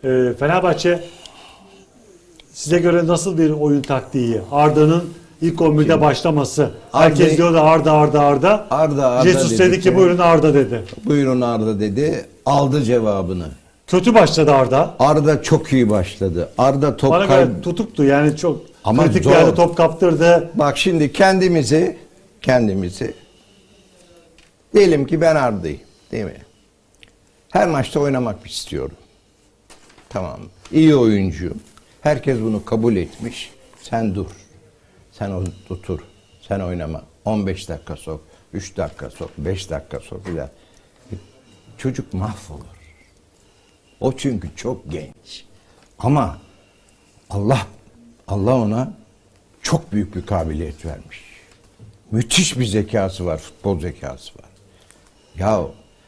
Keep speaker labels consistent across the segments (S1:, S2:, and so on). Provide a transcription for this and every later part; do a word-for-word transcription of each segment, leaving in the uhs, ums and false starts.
S1: Ee, Fenerbahçe size göre nasıl bir oyun taktiği? Arda'nın ilk on birde başlaması. Herkes
S2: Arda,
S1: diyordu Arda Arda Arda.
S2: Arda Arda
S1: Jesus dedi ki buyurun Arda dedi.
S2: Buyurun Arda dedi. Aldı cevabını.
S1: Kötü başladı Arda.
S2: Arda çok iyi başladı. Arda top
S1: Bana
S2: kay...
S1: göre tutuktu yani çok
S2: Ama
S1: kritik
S2: zor.
S1: bir yerde top kaptırdı.
S2: Bak şimdi kendimizi kendimizi diyelim ki ben Arda'yım, değil mi? Her maçta oynamak istiyorum. Tamam. İyi oyuncuyum. Herkes bunu kabul etmiş. Sen dur. Sen otur. Sen oynama. on beş dakika sok. üç dakika sok. beş dakika sok. Bir daha. Çocuk mahvolur. O çünkü çok genç. Ama Allah Allah ona çok büyük bir kabiliyet vermiş. Müthiş bir zekası var, futbol zekası var. Ya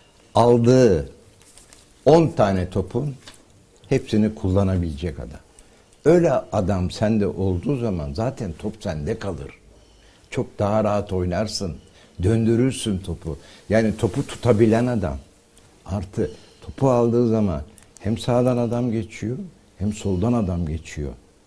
S2: aldığı on tane topun hepsini kullanabilecek adam. Öyle adam sende olduğu zaman zaten top sende kalır. Çok daha rahat oynarsın, döndürürsün topu. Yani topu tutabilen adam. Artı topu aldığı zaman hem sağdan adam geçiyor hem soldan adam geçiyor.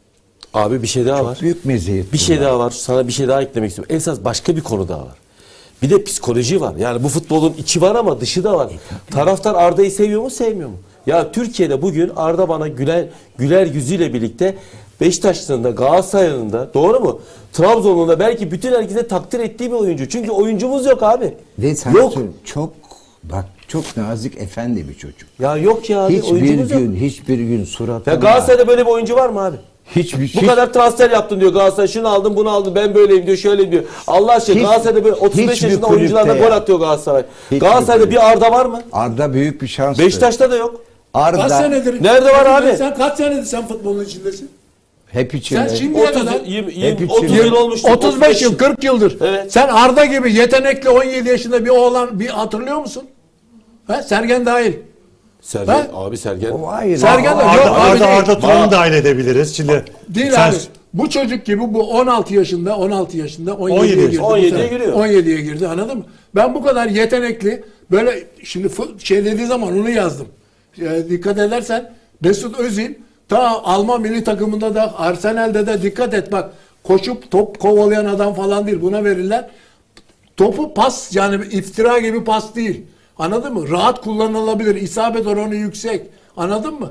S3: Abi bir şey daha
S2: Çok
S3: var.
S2: büyük meziyet.
S3: Bir şey daha var. Sana bir şey daha eklemek istiyorum. Esas başka bir konu daha var. Bir de psikoloji var. Yani bu futbolun içi var ama dışı da var. Taraftar Arda'yı seviyor mu, sevmiyor mu? Ya Türkiye'de bugün Arda bana güler güler yüzüyle birlikte Beşiktaş'ın da Galatasaray'ın da, doğru mu? Trabzon'un da belki bütün herkese takdir ettiği bir oyuncu. Çünkü oyuncumuz yok abi.
S2: Ve sen
S3: Yok.
S2: çok bak çok nazik efendi bir çocuk.
S3: Ya yok ya abi,
S2: Hiçbir
S3: oyuncumuz
S2: gün
S3: yok.
S2: hiçbir gün suratında.
S3: Ya Galatasaray'da böyle bir oyuncu var mı abi?
S2: hiçbir
S3: Bu
S2: hiç,
S3: kadar transfer yaptın diyor Galatasaray, şunu aldım bunu aldım ben böyleyim diyor, şöyleyim diyor. Allah aşkına
S2: Hiç-
S3: Galatasaray'da böyle otuz beş
S2: hiçbir
S3: yaşında
S2: kulüpte
S3: oyuncularla
S2: ya.
S3: gol atıyor Galatasaray.
S2: Hiçbir
S3: Galatasaray'da
S2: kulüpte.
S3: bir Arda var mı?
S2: Arda büyük bir şans.
S3: Beşiktaş'ta da yok.
S2: Arda
S4: Kaç senedir?
S3: Nerede var abi?
S4: Sen kaç senedir sen futbolun içindesin?
S2: hep içinde.
S4: Sen şimdiye
S3: otuz,
S4: kadar
S3: yirmi,
S2: Hep
S3: yirmi,
S2: için-
S3: otuz yıl olmuştu.
S4: otuz beş yıl, kırk yıldır.
S3: Evet.
S4: Sen Arda gibi yetenekli on yedi yaşında bir oğlan bir hatırlıyor musun? Ha? Sergen dahil.
S3: Sergen,
S4: Ha?
S3: abi Sergen.
S2: O hayır.
S4: Sergen de
S1: Arda,
S4: yok abi
S1: Arda,
S4: değil.
S1: Arda Turan'ı dahil edebiliriz. Şimdi
S4: Değil
S1: sen-
S4: abi. Bu çocuk gibi bu on altı yaşında, on altı yaşında
S1: on yedi
S4: on yediye girdi. bu
S3: on yediye
S4: sene.
S3: giriyor.
S4: on yediye girdi, anladın mı? Ben bu kadar yetenekli böyle şimdi fu- şey dediği zaman onu yazdım. E, dikkat edersen Mesut Özil ta Alman milli takımında da Arsenal'de de dikkat et bak, koşup top kovalayan adam falan değil, buna verirler. Topu pas, yani iftira gibi pas değil. Anladın mı? Rahat kullanılabilir. İsabet oranı yüksek. Anladın mı?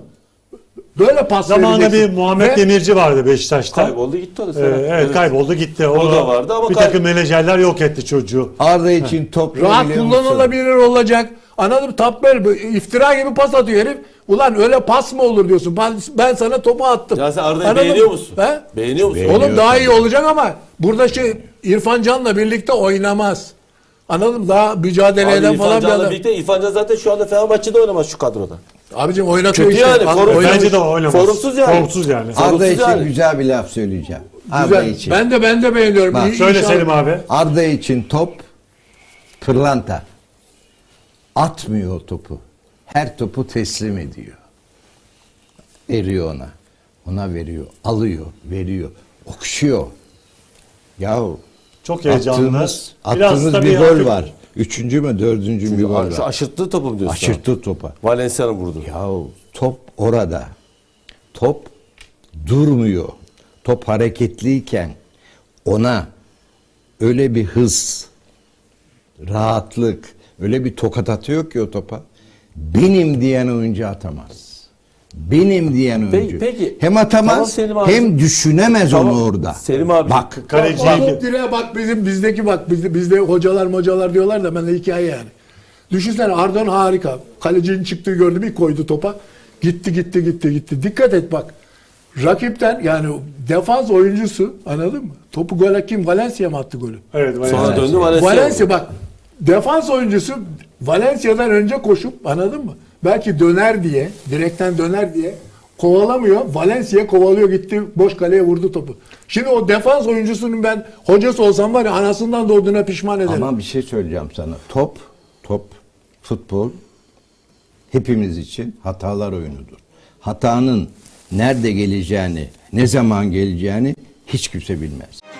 S4: Böyle pas
S1: zamanında
S4: vereceksin.
S1: bir Muhammed
S4: Ve-
S1: Demirci vardı Beşiktaş'ta.
S3: Kayboldu gitti o da.
S1: Ee,
S3: Sergen.
S1: evet, kayboldu gitti.
S3: O da vardı ama
S1: bir
S3: kay-
S1: takım menajerler yok etti çocuğu.
S2: Arda için top
S4: Rahat
S2: biliyor musun?
S4: kullanılabilir olacak. Anladın mı? Top böyle iftira gibi pas atıyor herif. Ulan öyle pas mı olur diyorsun. Ben, ben sana topu attım.
S3: Ya sen Arda'yı
S4: Anladın
S3: beğeniyor
S4: mı?
S3: musun?
S4: He?
S3: Beğeniyor musun?
S2: Beğeniyorum.
S4: Oğlum daha iyi olacak ama burada şey İrfan Can'la birlikte oynamaz. Anladın mı? Daha mücadele
S3: Abi
S4: eden
S3: İrfan
S4: falan bir
S3: Can'la
S4: adam.
S3: birlikte İrfan Can zaten şu anda Fenerbahçe'de oynamaz şu kadroda.
S4: Abicim oynatıyor
S3: Kötü
S4: işte.
S3: yani,
S4: Bak,
S3: form-
S4: oynamış.
S1: Bence de oynamaz.
S3: Formsuz yani.
S1: Formsuz yani.
S2: Arda
S3: Sorumsuz
S2: için
S3: yani.
S2: güzel bir laf söyleyeceğim. Arda
S4: Güzel.
S2: için.
S4: Ben de ben de beğeniyorum.
S2: Bak,
S4: İyi-
S1: Söyle
S4: inşallah-
S1: Selim abi.
S2: Arda için top pırlanta. Atmıyor o topu. Her topu teslim ediyor. Veriyor ona. Ona veriyor. Alıyor. Veriyor. Okşuyor. Yahu
S1: Çok heyecanlı.
S2: attığımız,
S1: Biraz
S2: attığımız
S1: tabii
S2: bir gol
S1: hafif-
S2: var. Üçüncü mü dördüncü mü bir gol
S3: Şu
S2: var.
S3: aşırttığı topu mu diyorsun?
S2: Aşırttı topa.
S3: Valencia'nın vurdu.
S2: Yahu top orada. Top durmuyor. Top hareketliyken ona öyle bir hız, rahatlık, öyle bir tokat atıyor ki o topa. Benim diyen oyuncu atamaz. Benim diyen
S3: Peki-
S2: oyuncu.
S3: peki.
S2: Hem atamaz
S3: Tamam Selim abi.
S2: hem düşünemez
S3: Tamam.
S2: onu orada.
S3: Selim abi.
S2: Bak
S1: Kaleci
S4: Bak, top direğe bak, bizim bizdeki bak, bizde, bizde hocalar mocalar diyorlar da ben de hikaye yani. Düşünsene Arda'nın harika. Kalecinin çıktığı gördü, bir koydu topa. Gitti gitti gitti gitti. Dikkat et bak. Rakipten yani defans oyuncusu, anladın mı? Topu gole kim? Valencia mı attı golü?
S1: Evet,
S3: Sonra
S1: Valencia.
S3: döndü Valencia.
S4: Valencia bak. Defans oyuncusu Valencia'dan önce koşup, anladın mı? Belki döner diye, direkten döner diye kovalamıyor. Valencia kovalıyor, gitti boş kaleye vurdu topu. Şimdi o defans oyuncusunun ben hocası olsam var ya, anasından doğduğuna pişman ederim.
S2: ama bir şey söyleyeceğim sana. Top, top, futbol hepimiz için hatalar oyunudur. Hatanın nerede geleceğini, ne zaman geleceğini hiç kimse bilmez.